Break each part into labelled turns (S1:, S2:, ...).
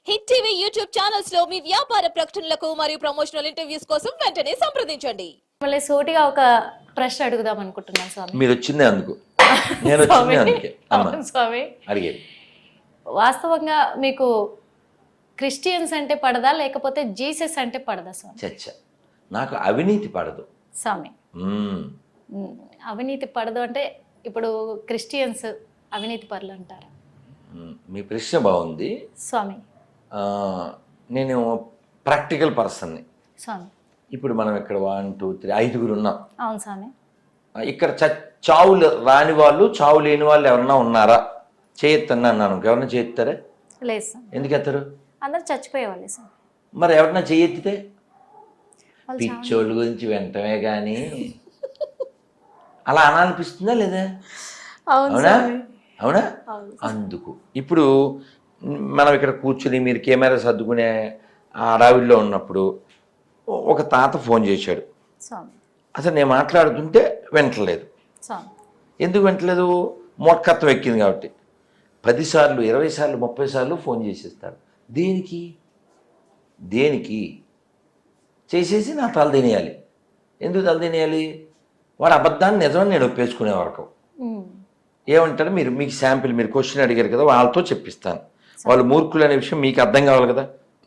S1: Hit TV YouTube channels లో మీ వ్యాపార ప్రకటనలకు మరియు ప్రమోషనల్ ఇంటర్వ్యూస్ కోసం వెంటనే సంప్రదించండి.
S2: మళ్ళీ సూటిగా ఒక ప్రశ్న అడుగుదాం అనుకుంటున్నాను స్వామి.
S3: మీరు వచ్చిందే అందుకు, నేను వచ్చిందే అందుకే
S2: అవును స్వామి.
S3: అడిగేది
S2: వాస్తవంగా మీకు క్రిస్టియన్స్ అంటే పడదా లేకపోతే జీసస్ అంటే పడదా స్వామి?
S3: చచ్చ, నాకు అవినీతి పడదు
S2: స్వామి. అవినీతి పడదు అంటే ఇప్పుడు క్రిస్టియన్స్ అవినీతి పరులు అంటారా?
S3: మీ ప్రశ్న బాగుంది
S2: స్వామి.
S3: నేను ప్రాక్టికల్ పర్సన్ని.
S2: స్వామి,
S3: ఇప్పుడు మనం ఇక్కడ 1 2 3 5గురు ఉన్నాం.
S2: అవును స్వామి.
S3: ఇక్కడ చావులు రాని వాళ్ళు, చావు లేని వాళ్ళు ఎవరన్నా ఉన్నారా? చేయొత్తన్నా అన్నాను. ఎవరన్నా చేయెత్తారా?
S2: లేదు స్వామి.
S3: ఎందుకు ఎత్తారు?
S2: అందరు చచ్చిపోయేవాళ్ళే స్వామి.
S3: మరి ఎవరన్నా చేయెత్తితే పిచ్చోళ్ళ గురించి వెంటనే కానీ అలా అనాలనిపిస్తుందా లేదా? అవునా అవునా? అందుకు ఇప్పుడు మనం ఇక్కడ కూర్చుని మీరు కెమెరా సర్దుకునే ఆ అడవిలో ఉన్నప్పుడు ఒక తాత ఫోన్ చేశాడు. అసలు నేను మాట్లాడుతుంటే వింటలేదు. ఎందుకు వింటలేదు? మూర్ఖత్వం ఎక్కింది కాబట్టి 10 సార్లు 20 సార్లు 30 సార్లు ఫోన్ చేసేస్తాడు. దేనికి దేనికి చేసేసి నా తల తినేయాలి. ఎందుకు తల తినేయాలి? వాడు అబద్ధాన్ని నిజమని నేను ఒప్పేసుకునే వరకు ఏమంటారు? మీకు శాంపిల్, మీరు క్వశ్చన్ అడిగారు కదా, వాళ్ళతో చెప్పిస్తాను. వాళ్ళు మూర్ఖులు అనే విషయం మీకు అర్థం కావాలి కదా.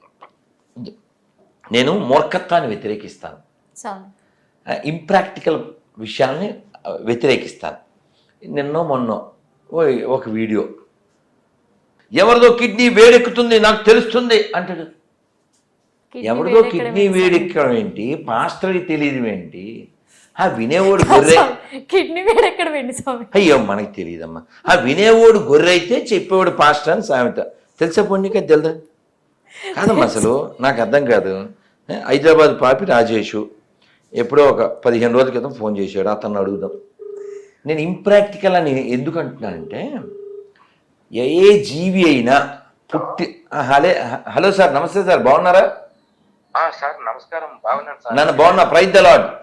S3: నేను మూర్ఖత్వాన్ని వ్యతిరేకిస్తాను, ఇంప్రాక్టికల్ విషయాల్ని వ్యతిరేకిస్తాను. నిన్నో మొన్నో ఒక వీడియో, ఎవరిదో కిడ్నీ వేడెక్కుతుంది నాకు తెలుస్తుంది అంటాడు. ఎవరిదో కిడ్నీ వేడెక్కడం ఏంటి? పాస్టర్కి తెలియదు ఏంటి? ఆ వినేవాడు గొర్రె,
S2: కిడ్నీ వేడెక్కడ వెండి స్వామి?
S3: అయ్యో మనకి తెలియదమ్మా. ఆ వినేవాడు గొర్రె అయితే చెప్పేవాడు పాస్టర్ అని సామెత. తెలుసా పొన్నిక? తెలుదా? కాదమ్మా, అసలు నాకు అర్థం కాదు. హైదరాబాద్ పాపి రాజేషు ఎప్పుడో ఒక 15 రోజుల క్రితం ఫోన్ చేశాడు. అతన్ని అడుగుదాం. నేను ఇంప్రాక్టికల్ అని ఎందుకు అంటున్నానంటే, ఏ జీవి అయినా పుట్టి హలో సార్, నమస్తే సార్, బాగున్నారా?
S4: సార్ నమస్కారం, బాగున్నాను సార్.
S3: నన్ను బాగున్నా. Praise the lord.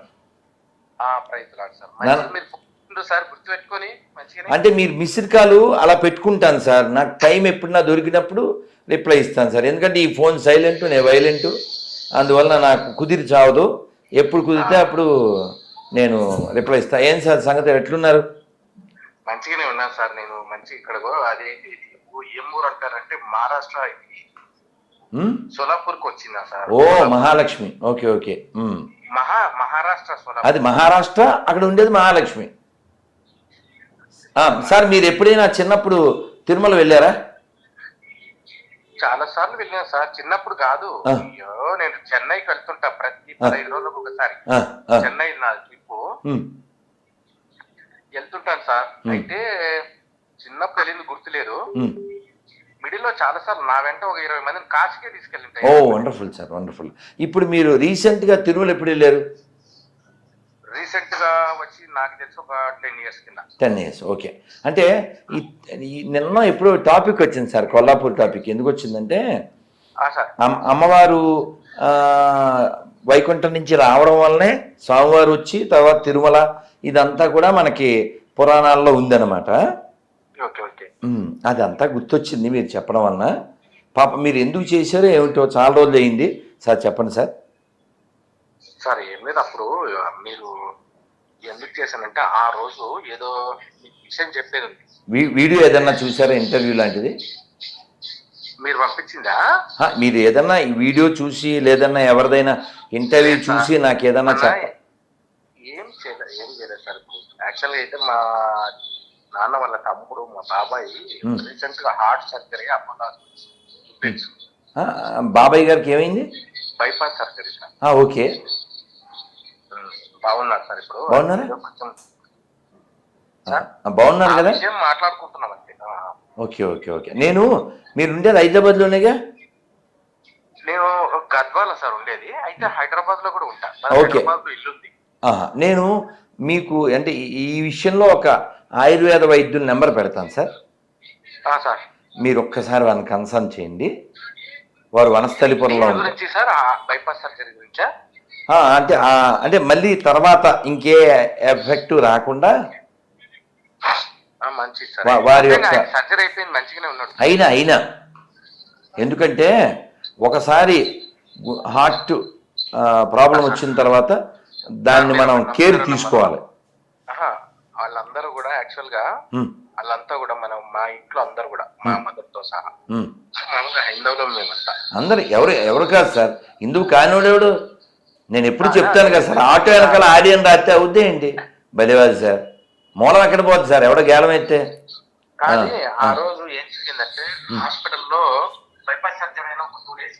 S3: అంటే మీరు మిస్డ్ కాల్ అలా పెట్టుకుంటాను సార్. నాకు టైం ఎప్పుడు దొరికినప్పుడు రిప్లై ఇస్తాను సార్. ఎందుకంటే ఈ ఫోన్ సైలెంట్, నేను వైలెంట్, అందువల్ల నాకు కుదిరి చావదు. ఎప్పుడు కుదిరితే అప్పుడు నేను రిప్లై ఇస్తాను. ఏం సార్ సంగతి, ఎట్లున్నారు?
S4: మంచిగానే ఉన్నాను సార్. నేను మంచి ఇక్కడ అదే ఏం ఊరు అంటారంటే మహారాష్ట్ర సోలాపూర్ కు వచ్చిందా సార్?
S3: ఓ మహాలక్ష్మి. Okay okay.
S4: మహారాష్ట్ర
S3: అది మహారాష్ట్ర, అక్కడ ఉండేది మహాలక్ష్మి. సార్ మీరు ఎప్పుడైనా చిన్నప్పుడు తిరుమల వెళ్ళారా?
S4: చాలా సార్లు వెళ్ళాను సార్. చిన్నప్పుడు కాదు, అయ్యో నేను చెన్నైకి వెళ్తుంటా ప్రతి 15 రోజులకు ఒకసారి. చెన్నై నా ట్రిప్ వెళ్తుంటాను సార్. అయితే చిన్నప్పుడు వెళ్ళింది గుర్తులేదు. మిడిల్ లో చాలా సార్లు నా వెంట ఒక 20 మందిని కాశీకే తీసుకెళ్ళింటాయి.
S3: Oh wonderful sir, wonderful. ఇప్పుడు మీరు రీసెంట్ గా తిరుమల ఎప్పుడు వెళ్ళారు?
S4: రీసెంట్ గా వచ్చి నాకు తెలిసి ఒక 10 years కింద.
S3: 10 years. ఓకే. అంటే నిన్న ఎప్పుడు టాపిక్ వచ్చింది సార్, కొల్లాపూర్ టాపిక్. ఎందుకు వచ్చిందంటే, అమ్మవారు వైకుంఠం నుంచి రావడం వల్లనే స్వామివారు వచ్చి తర్వాత తిరుమల, ఇదంతా కూడా మనకి పురాణాల్లో ఉందన్నమాట. అదంతా గుర్తొచ్చింది మీరు చెప్పడం వలన. పాప మీరు ఎందుకు చేశారో ఏమిటో, చాలా రోజులు అయింది సార్, చెప్పండి సార్.
S4: సార్ ఏం లేదు, అప్పుడు మీరు ఎందుకు చేశానంటే ఆ రోజు ఏదో విషయం చెప్పేది ఉంది.
S3: వీడియో ఏదన్నా చూసారా, ఇంటర్వ్యూ లాంటిది
S4: మీరు పంపించిందా?
S3: మీరు ఏదన్నా ఈ వీడియో చూసి లేదన్నా ఎవరిదైనా ఇంటర్వ్యూ చూసి నాకు ఏదన్నా
S4: ఏం చేయలేదు సార్. యాక్చువల్గా అయితే మా నాన్న వాళ్ళ తమ్ముడు, మా బాబాయ్ రీసెంట్ గా హార్ట్ సర్జరీ
S3: బాబాయ్ గారికి ఏమైంది?
S4: Bypass surgery sir.
S3: ఓకే.
S4: బాగున్నారు సార్. ఇప్పుడు
S3: బాగున్నారా?
S4: బాగున్నారు కదా, మాట్లాడుకుంటున్నాం అంతే.
S3: Okay okay okay. మీరు ఉండేది హైదరాబాద్ లోనేగా?
S4: నేను గద్వాల సార్ ఉండేది. అయితే హైదరాబాద్ లో కూడా ఉంటా.
S3: ఓకే.
S4: ఇల్లు ఉంది.
S3: నేను మీకు అంటే ఈ విషయంలో ఒక ఆయుర్వేద వైద్యుల నెంబర్ పెడతాను సార్. మీరు ఒక్కసారి వాళ్ళని కన్సల్ట్ చేయండి. వారు వనస్థలిపురంలో
S4: సార్. బైపాస్ సర్జరీ గురించా?
S3: అంటే మళ్ళీ తర్వాత ఇంకే ఎఫెక్ట్ రాకుండా వారి యొక్క
S4: సర్జరీ అయిపోయింది, మంచిగానే ఉన్నాడు.
S3: అయినా ఎందుకంటే ఒకసారి హార్ట్ ప్రాబ్లం వచ్చిన తర్వాత దాన్ని మనం కేర్ తీసుకోవాలి.
S4: వాళ్ళందరూ కూడా యాక్చువల్ గా వాళ్ళంతా కూడా మనం మా ఇంట్లో అందరూ కూడా మా మదర్ తో సహా మామూలుగా హైందవులం మేమంతా.
S3: అందరు ఎవరు కాదు సార్, హిందువు కానివాడెవడు? నేను ఎప్పుడు చెప్తాను కదా సార్, ఆటో వెనకాల ఆడియన్ రాస్తే అవుద్దే ఏంటి బలివాది సార్, మూలం ఎక్కడ పోతుంది సార్, ఎవడో గేలం అయితే.
S4: కానీ ఆ రోజు ఏం జరిగిందంటే హాస్పిటల్లో బైపాస్ సర్జరీ అయిన ఒక 2 days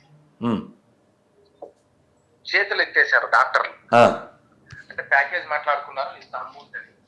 S4: చేతులు ఎత్తేసారు డాక్టర్లు. అంటే ప్యాకేజ్ మాట్లాడుకున్నారు, ఇస్తాము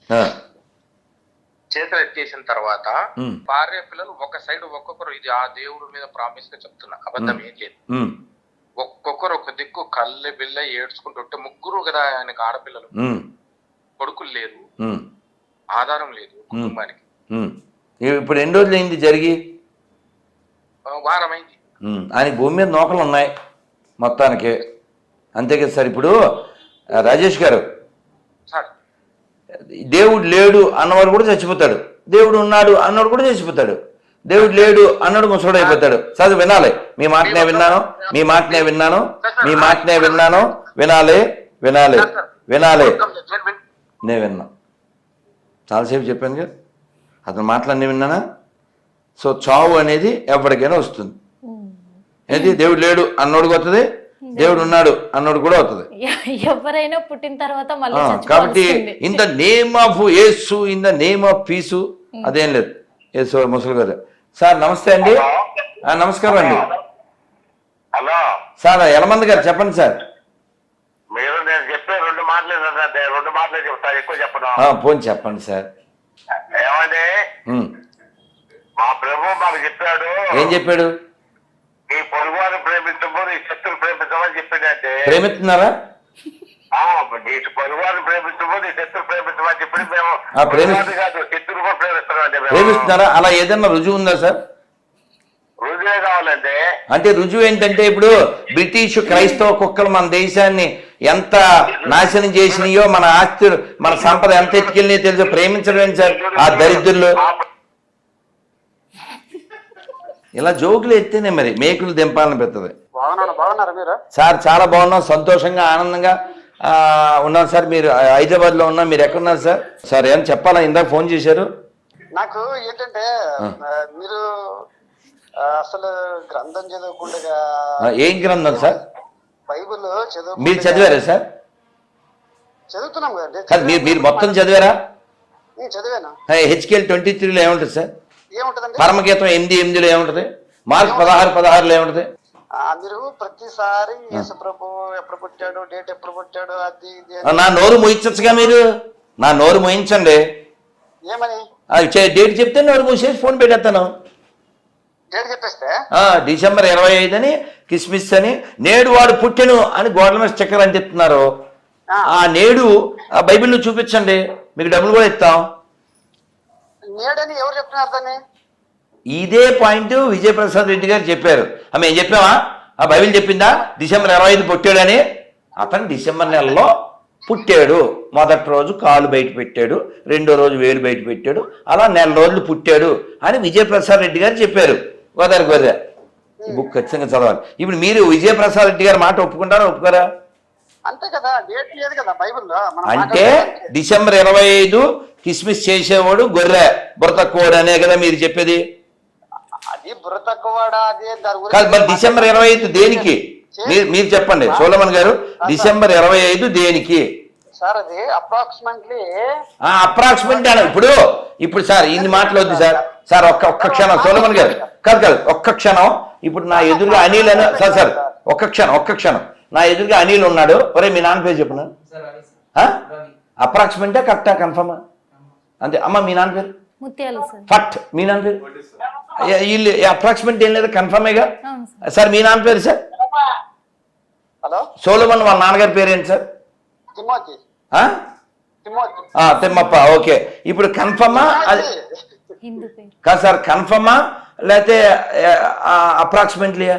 S4: చేతులు ఎత్తేసిన తర్వాత భార్య పిల్లలు ఒక సైడ్ ఒక్కొక్కరు, ఇది ఆ దేవుడి మీద ప్రామిస్ గా చెప్తున్నా, అబద్ధం ఏం లేదు, ఒక్కొక్కరు ఒక దిక్కు కళ్ళె బిల్ల ఏడ్చుకుంటుంటే, ముగ్గురు కదా ఆయనకు ఆడపిల్లలు, కొడుకులు లేరు, ఆధారం లేదు కుటుంబానికి.
S3: ఇప్పుడు ఎన్ని రోజులు అయింది జరిగి?
S4: వారమైంది.
S3: ఆయన భూమి మీద నూకలు ఉన్నాయి మొత్తానికి, అంతే కదా సార్. ఇప్పుడు రాజేష్ గారు, దేవుడు లేడు అన్నవాడు కూడా చచ్చిపోతాడు, దేవుడు ఉన్నాడు అన్నవాడు కూడా చచ్చిపోతాడు, దేవుడు లేడు అన్నాడు ముసడు అయిపోతాడు. చదువు వినాలి, మీ మాటనే విన్నాను, మీ మాటనే విన్నాను, మీ మాటనే విన్నాను, వినాలి వినాలి వినాలి. నేను విన్నా, చాలాసేపు చెప్పాను కదా, అతను మాటలన్నీ విన్నానా. సో చావు అనేది ఎవరికైనా వస్తుంది. ఏది దేవుడు లేడు అన్నోడికి వస్తుంది, దేవుడు ఉన్నాడు అన్నోడు కూడా అవుతుంది.
S2: ఎవరైనా పుట్టిన తర్వాత
S3: కాబట్టి in the name of Yesu, in the name of peace, అదేం లేదు. యేసు ముసలి గారు సార్ నమస్తే అండి. నమస్కారం అండి.
S4: హలో
S3: సార్ యలమంది గారు చెప్పండి సార్.
S4: మీరు నేను చెప్పే 2 మాటలే చెప్తాను, ఎక్కువ చెప్పను.
S3: పోనీ చెప్పండి సార్.
S4: ఏమండి, మా ప్రభు మాకు చెప్పాడు.
S3: ఏం చెప్పాడు?
S4: నీ పొరుగువారిని ప్రేమించము, నీ శత్రువుని ప్రేమించమని చెప్పిందంటే
S3: ప్రేమిస్తున్నారా?
S4: నీ పొరుగువారిని ప్రేమించము, నీ శత్రువు ప్రేమించమని చెప్పి మేము కాదు శత్రువు కూడా ప్రేమిస్తున్నాం.
S3: ప్రేమిస్తున్నారా? అలా ఏదన్నా రుజువు ఉందా సార్?
S4: రుజువే కావాలంటే
S3: అంటే రుజువు ఏంటంటే, ఇప్పుడు బ్రిటిష్ క్రైస్తవ కుక్కలు మన దేశాన్ని ఎంత నాశనం చేసినాయో, మన ఆస్తులు మన సంపద ఎంత ఎత్తుకెళ్ళినాయో తెలుసు. ప్రేమించడం ఏంటి సార్ ఆ దరిద్రులు? ఇలా జోకులు ఎత్తేనే మరి మేకులు దింపాలని పెడుతుంది. సార్ చాలా బాగున్నాం, సంతోషంగా ఆనందంగా ఉన్నాం సార్. మీరు హైదరాబాద్ లో ఉన్నా, మీరు ఎక్కడున్నారు సార్? సార్ ఏం చెప్పాలా, ఇందాక ఫోన్ చేశారు
S5: నాకు. ఏంటంటే మీరు అసలు గ్రంథం చదవకుండా.
S3: ఏం గ్రంథం సార్?
S5: బైబిల్ చదువు.
S3: మీరు చదివారా సార్?
S5: చదువుతున్నాం కదండి.
S3: కాదు, మీరు మొత్తం చదివారా?
S5: చదివాను.
S3: హెచ్కేఎల్ 23లో ఏముంటుంది సార్?
S5: ఏముంటదండి?
S3: పరమగీతం 8:8లో ఏముంటది? మార్క్ 16:16లో ఏముంటది?
S5: మీరు ప్రతిసారి యేసు ప్రభు ఎప్పుడు పుట్టాడు, డేట్ ఎప్పుడు పుట్టాడు, అది ఇది.
S3: నా నోరు మోయించచ్చుగా మీరు, నా నోరు మోయించండి.
S5: ఏమని
S3: డేట్ చెప్తే నోరు మూసేసి ఫోన్ పెట్టేస్తాను.
S5: డేట్ చెప్పేస్తే
S3: డిసెంబర్ 25 అని, కిస్మిస్ అని, నేడు వాడు పుట్టెను అని గోడల మీద స్టిక్కర్ అని చెప్తున్నారు. ఆ నేడు ఆ బైబిల్లో చూపించండి, మీకు డబ్బులు కూడా ఇస్తాం.
S5: నేడని ఎవరు చెప్తున్నారు దాన్ని?
S3: ఇదే పాయింట్ విజయప్రసాద్ రెడ్డి గారు చెప్పారు. మేము చెప్పామా? ఆ బైబిల్ చెప్పిందా డిసెంబర్ 25 పుట్టాడని? అతను డిసెంబర్ నెలలో పుట్టాడు. మొదటి రోజు కాలు బయట పెట్టాడు, రెండో రోజు వేలు బయట పెట్టాడు, అలా 4 రోజులు పుట్టాడు అని విజయప్రసాద్ రెడ్డి గారు చెప్పారు. గోదావరి ఈ బుక్ ఖచ్చితంగా చదవాలి. ఇప్పుడు మీరు విజయప్రసాద్ రెడ్డి గారి మాట ఒప్పుకుంటారా, ఒప్పుకోరా?
S5: అంతే కదా, డేట్ లేదు కదా బైబిల్లో.
S3: అంటే డిసెంబర్ 25 కిస్మిస్ చేసేవాడు గొర్రె, బుర్ర తక్కువడు అనే కదా మీరు చెప్పేది?
S5: అది బుర్ర తక్కువడా?
S3: కాదు, మరి డిసెంబర్ 25 దేనికి? మీరు చెప్పండి సోలమన్ గారు, డిసెంబర్ 25 దేనికి
S5: సార్? అది అప్రాక్సిమేట్లీ
S3: ఇప్పుడు సార్ ఇన్ని మాటలు వద్దు సార్. సార్ ఒక్క క్షణం సోలమన్ గారు, కాదు ఒక్క క్షణం. ఇప్పుడు నా ఎదురుగా అనిల్ అని సార్ ఒక్క క్షణం నా ఎదురుగా అనిల్ ఉన్నాడు. ఒరే మీ నాన్న పేరు చెప్పను. అప్రాక్సిమేటా కరెక్టా కన్ఫర్మా? అంతే అమ్మ. మీ నాన్న పేరు
S2: ముత్యాలు సార్.
S3: ఫట్. మీ నాన్న పేరు వీళ్ళు అప్రాక్సిమేట్ ఏం లేదు, కన్ఫర్మేగా సార్. మీ నాన్న పేరు సార్?
S5: హలో
S3: సోలమన్ వాళ్ళ నాన్నగారి పేరు ఏంటి సార్? తిమ్మప్ప. ఓకే, ఇప్పుడు కన్ఫర్మా? అది కాదు సార్, కన్ఫర్మా లేకపోతే అప్రాక్సిమేట్లీయా?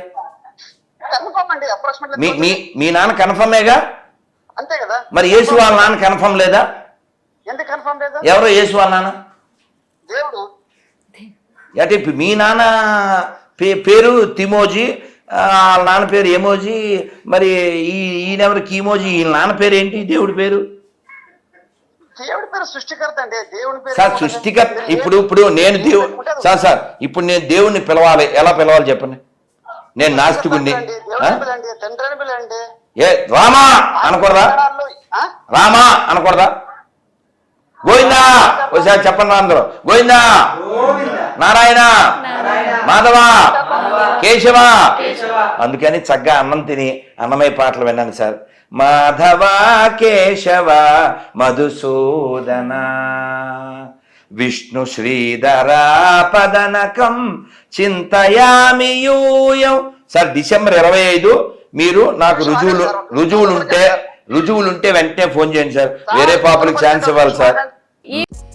S3: మీ నాన్న కన్ఫర్మేగా?
S5: అంతే కదా.
S3: మరి యేసు వాళ్ళ నాన్న కన్ఫర్మ్ లేదా?
S5: ఎందుకు కన్ఫర్మ్ లేదా?
S3: ఎవరో యేసు వాళ్ళ నాన్న
S5: దేవుడు.
S3: అంటే మీ నాన్న పేరు తిమోజీ, వాళ్ళ నాన్న పేరు ఎమోజీ, మరి ఈయనెవరు కీమోజీ, వీళ్ళ నాన్న పేరు ఏంటి దేవుడి పేరు?
S5: దేవుడి పేరు సృష్టికర్త అండి. దేవుడి పేరు
S3: సార్ సృష్టికర్త. ఇప్పుడు నేను సార్ ఇప్పుడు నేను దేవుణ్ణి పిలవాలి, ఎలా పిలవాలి చెప్పండి? నేను నాస్తికుడిని.
S5: తండ్రి అని పిలండి.
S3: ఏ రామా అనకూడదా? రామా అనకూడదా? గోవిందా ఒకసారి చెప్పండి అందరూ. గోవిందా, నారాయణ, మాధవ, కేశవ. అందుకని చక్కగా అన్నం తిని అన్నమయ్య పాటలు విన్నాను సార్. మాధవ కేశవ మధుసూదన విష్ణు శ్రీధర పదనకం చింతయామి యూయం. సార్ డిసెంబర్ 25 మీరు నాకు రుజువులుంటే వెంటనే ఫోన్ చేయండి సార్. వేరే పాపలకు ఛాన్స్ ఇవ్వాలి సార్.